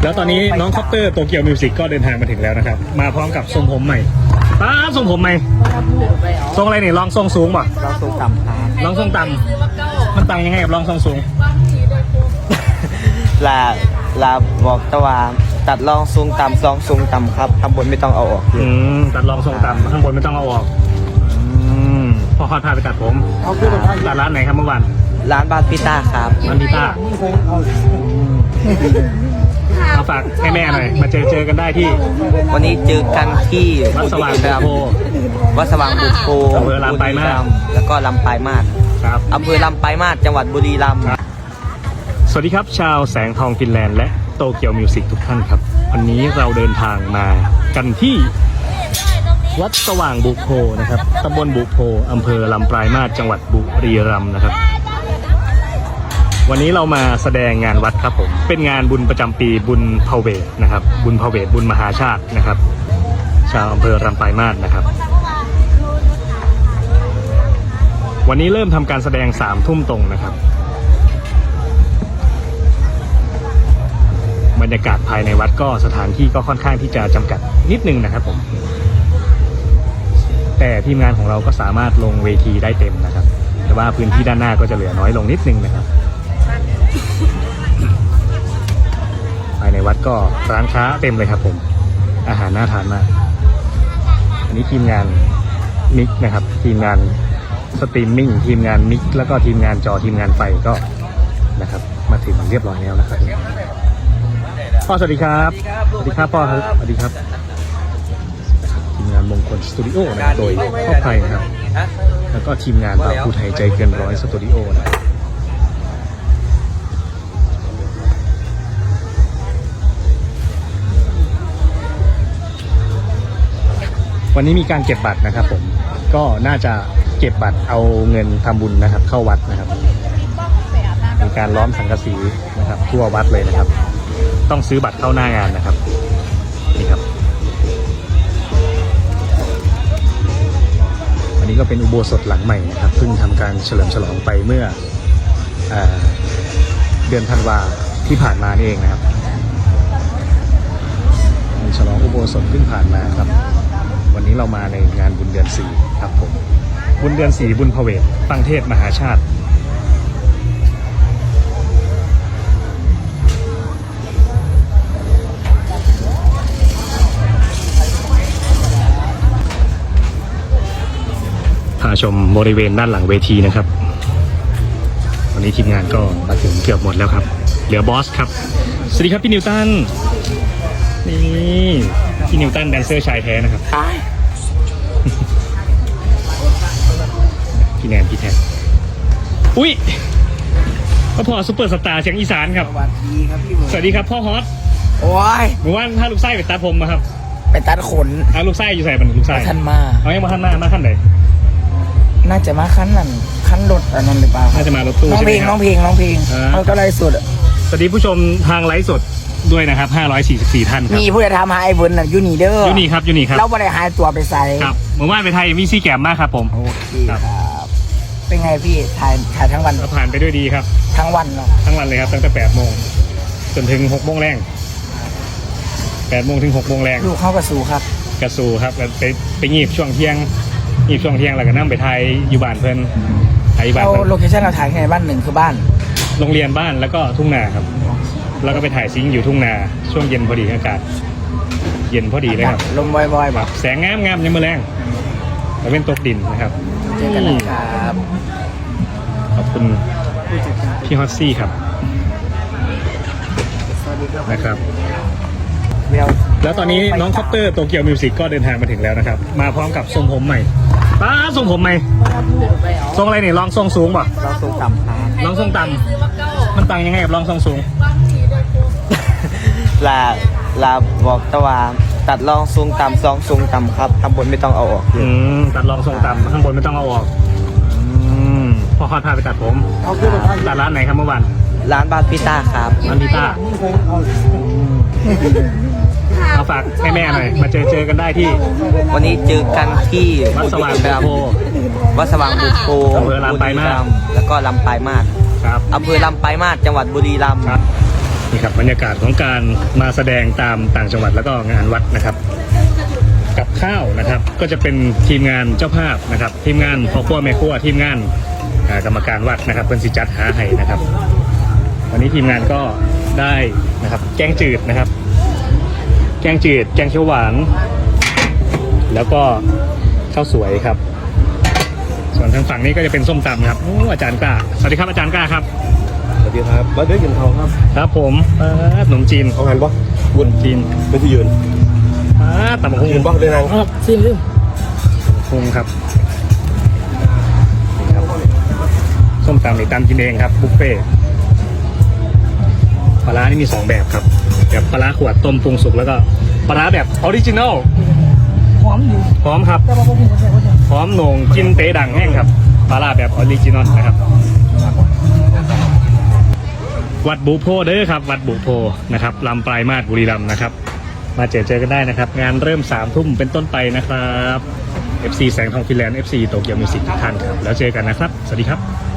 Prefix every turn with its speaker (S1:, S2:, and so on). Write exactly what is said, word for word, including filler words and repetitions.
S1: แล้วตอนนี้น้องคอปเตอร์โตเกียวมิวสิกก็เดินทางมาถึงแล้วนะครับมาพร้อมกับทรงผมใหม่ป้าทรงผมใหม่ทรงอะไรนี่ลองทรงสูงป่ะ
S2: เราทรงต่ำครับ
S1: ลองทรงต่ำมันต่างยังไงกับลองทรงสูง
S2: ลาลาบอกตะวันตัดลองทรงต่ำลองทรงต่ำครับทำบนไม่ต้องเอาออก
S1: อืมตัดลองทรงต่ำข้างบนไม่ต้องเอาออกอืมพอคอดพาไปตัดผมตัดร้านไหนครับเมื่อวาน
S2: ร้านบาสพิต้าครับ
S1: ร้านพิต้าเอาฝากแม่แม่หน่อยมาเจอเจอกันได้ที่
S2: วันนี้เจอกันที่
S1: วัดสว่างบุโพ
S2: วัดสว่างบุโพ
S1: อำเภอลำปลายมาศ
S2: แล้วก็ลำปลายมาศ
S1: ครับ
S2: อำเภอลำปลายมาศจังหวัดบุรีรัมย์
S1: สวัสดีครับชาวแสงทองฟินแลนด์และโตเกียวมิวสิกทุกท่านครับวันนี้เราเดินทางมากันที่วัดสว่างบุโพนะครับตำบลบุโพอำเภอลำปลายมาศจังหวัดบุรีรัมย์นะครับวันนี้เรามาแสดงงานวัดครับผมเป็นงานบุญประจำปีบุญพาเวทนะครับบุญพาเวทบุญมหาชาตินะครับชาวอำเภอลำปลายมาศนะครับวันนี้เริ่มทำการแสดงสามทุ่มตรงนะครับบรรยากาศภายในวัดก็สถานที่ก็ค่อนข้างที่จะจำกัดนิดนึงนะครับผมแต่ทีมงานของเราก็สามารถลงเวทีได้เต็มนะครับแต่ว่าพื้นที่ด้านหน้าก็จะเหลือน้อยลงนิดนึงนะครับภายในวัดก็ร้านค้าเต็มเลยครับผมอาหารน่าทานมากอันนี้ทีมงานมิกนะครับทีมงานสตรีมมิ่งทีมงานมิกแล้วก็ทีมงานจอทีมงานไฟก็นะครับมาถึงเรียบร้อยแล้วนะครับพ่อสวัสดีครับสวัสดีครับพ่อครับสวัสดีครับทีมงานมงคลสตูดิโอนะครับโดยพ่อไพนะครับแล้วก็ทีมงานบ่าวผู้ไทยใจเกินร้อยสตูดิโอนะวันนี้มีการเก็บบัตรนะครับผมก็น่าจะเก็บบัตรเอาเงินทำบุญนะครับเข้าวัดนะครับมีการล้อมสังกะสีนะครับทั่ววัดเลยนะครับต้องซื้อบัตรเข้าหน้างานนะครับนี่ครับอันนี้ก็เป็นอุโบสถหลังใหม่นะครับเพิ่งทำการเฉลิมฉลองไปเมื่อเอเดือนธันวาที่ผ่านมานี่เองนะครับฉลองอุโบสถเพิ่งผ่านมาครับวันนี้เรามาในงานบุญเดือนสี่ครับผมบุญเดือนสี่บุญพาเวทฟังเทศมหาชาติพาชมบริเวณด้านหลังเวทีนะครับวันนี้ทีมงานก็มาถึงเกือบหมดแล้วครับเหลือบอสครับสวัสดีครับพี่นิวตันนี่พี่นิวตันแดนเซอร์ชายแท้นะครับพี่แนนพี่แทนอุ้ยพ่อพอซุปเปอร์สตาร์เสียงอีสานครับ
S2: สวัสดีครับพี่
S1: สวัสดีครับพ่อฮอต
S2: โอ้ย
S1: หรือว่าถ้าลูกไส้ไปตัดผมมาครับ
S2: ไปตัดขน
S1: อ่ะลูกไส้อยู่ใส่บันลูกไส้
S2: ท่านมา
S1: เอายังมาขั้นหน้ามาขั้นไหน
S2: น่าจะมาขั้นนั้นขั้นรถอันนั้นหรือเปล่า
S1: น่าจะมารถตู้
S2: น้อง
S1: ใช่ไห
S2: เพ
S1: ม
S2: ลง
S1: ค
S2: น้
S1: รั
S2: อบ งเพลงน้องเพลง
S1: อ่า
S2: มันก็เลยสุด
S1: สวัสดีผู้ชมทางไลฟ์สดด้วยนะครับห้าร้อยสี่สิบสี่ท่านครับ
S2: มีผู้ใดทำหาไอ้เวิร์นน่ะยูนีเดอร์
S1: ยูนี่ครับยูนี่ครับ
S2: เราไม่ได้หายตัวไปใส่
S1: ครับเมื่อวานไปไทยมีซีแกมมากครับผม
S2: โอเค
S1: ครับ
S2: ครับเป็นไงพี่ถ่ายถ่ายทั้งวัน
S1: เราผ่านไปด้วยดีครับ
S2: ทั้งวันเนาะ
S1: ทั้งวันเลยครับตั้งแต่แปดโมงจนถึงหกโมงแรงแปดโมงถึงหกโมงแรง
S2: ลูกเข้ากระสูครับ
S1: กระสูครับแล้วไปไปงีบช่วงเที่ยงงีบช่วงเที่ยงแล้วก็นั่งไปไทยอยู่บ้านเพื่อนไทยบ้าน
S2: เรา
S1: เพื่อน
S2: โลเคชั่นเราถ่ายที่ไหนบ้านหนึ่งคือบ้าน
S1: โรงเรียนบ้านแล้วก็ทุ่งนาครับแล้วก็ไปถ่ายซิงค์อยู่ทุ่งนาช่วงเย็นพอดีอากาศเย็นพอดีเลยครับ
S2: ลมบ่อยๆ
S1: แบ
S2: แบบ บ
S1: แสงงามงามยังมือแรงแล้วเป็นตกดินนะครับ
S2: เจอกันนะครับ
S1: ขอบคุณพี่ฮอตซี่ครับ
S2: สวัสดีครับ
S1: นะครับ
S2: เดี๋ยว
S1: แล้วตอนนี้น้องคอปเตอร์โตเกียวมิวสิกก็เดินทางมาถึงแล้วนะครับมาพร้อมกับทรงผมใหม่ป้าทรงผมใหม่ทรงอะไรนี่ลองทรงสูงป่ะ
S2: เราทรงต่ำครับ
S1: ลองทรงต่ำมันต่างยังไงกับลองทรงสูง
S2: ลาลาบอกตะวันตัดลองทรงต่ำลองทรงต่ำครับทำบนไม่ต้องเอาออก
S1: อืมตัดลองทรงต่ำข้างบนไม่ต้องเอาออกอืมพอคอดพาไปตัดผมตัดร้านไหนครับเมื่อวาน
S2: ร้านบาสพิต้าครับ
S1: ร้านพิต้าเอาฝากแม่แม่หน่อยมาเจอเจอกันได้ที่
S2: วันนี้เจอกันที่
S1: วัดสว่างบุโพ
S2: วัดสว่างบุโพ
S1: อำเภอลำปลายมาศ
S2: แล้วก็ลำปลายมาศ
S1: ครับ
S2: อำเภอลำปลายมาศจังหวัดบุรีรัมย์
S1: ครับนี่ครับบรรยากาศของการมาแสดงตามต่างจังหวัดแล้วก็งานวัดนะครับ กับข้าวนะครับก็จะเป็นทีมงานเจ้าภาพนะครับ ทีมงานพ่อครัวแม่ครัวทีมงานอ่ากรรมการวัดนะครับเป็นสิจัดหาให้นะครับ วันนี้ทีมงานก็ได้นะครับแกงจืดนะครับ แกงจืดแกงเขียวหวาน แล้วก็ข้าวสวยครับ ส่วนทางฝั่งนี้ก็จะเป็นส้มตำครับโอ้อาจารย์กล้าสวัสดีครับอาจารย์กล้าครับ
S3: สวัสดีครับมาด้วยกินทองครับ
S1: ครับผมเอ่อขนมจีน
S3: เอาหันปะ
S1: วุ้นจีน
S3: ไม่ที่ยืน
S1: อ่าตำบักหุ่
S3: ยืน
S1: ง
S3: ปะเลยนาง
S1: อ๋อซิมซิมพุงครับนี่ครับส้มตำนี่ตำกินเองครับบุฟเฟ่ต์ปลาร้านี่มีสองแบบครับแบบปลาร้าขวดต้มปรุงสุกแล้วก็ปลาร้าแบบออริจินัล
S4: หอมอยู่
S1: พร้อมครับ
S4: แต่ว่าพวกผมก็ใช่ว่าจะ
S1: พร้อมโหน่งกินเตะดังแห้งครับปลาร้าแบบออริจินอลนะครับ วัดบุโพเด้อครับ วัดบุโพนะครับลำปลายมาศบุรีรัมย์นะครับ มาเจอเจอกันได้นะครับ งานเริ่มสามทุ่มเป็นต้นไปนะครับ เอฟ ซี แสงทองฟินแลนด์ เอฟ ซี โตเกียวมิวสิกทุกท่านครับ แล้วเจอกันนะครับ สวัสดีครับ